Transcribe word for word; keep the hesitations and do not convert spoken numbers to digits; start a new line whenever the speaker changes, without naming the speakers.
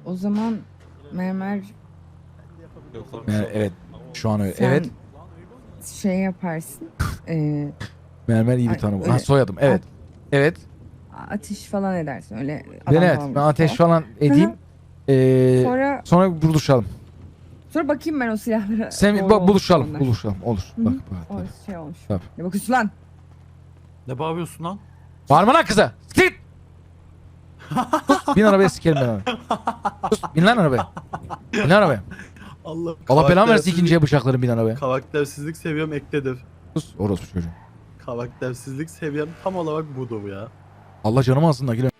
O zaman mermer
Mer- evet. Şu an öyle.
sen
Evet.
şey yaparsın. e,
Mermer iyi bir
Ay,
tanım.
öyle-
Ha, soyadım. Evet. Evet.
ateş falan edersin öyle.
Ben
adam
evet.
falan
Ben
vurursun
ateş
falan.
falan edeyim. Ee,
Sonra
sonra buluşalım.
sonra bakayım ben o silahlara.
Sen
doğru
bak
olmuş mu
buluşalım.
onlar?
Buluşalım. Olur.
Hı hı.
Bak bak.
O
Tabii.
şey olmuş.
Tabii.
Ne bakıyorsun lan?
Ne bağırıyorsun lan?
Bağırma lan kıza. Git. Sus. Bin arabaya sikerim ben onu. Sus. Bin lan arabaya. Bin lan arabaya.
Allah
Allah belamı versin ikinciye bıçaklarım bin arabaya.
Karaktersizlik seviyem ekledir.
Sus. Orospu çocuğu.
Karaktersizlik seviyem tam olarak budur ya.
Allah canımı alsın da gülüm.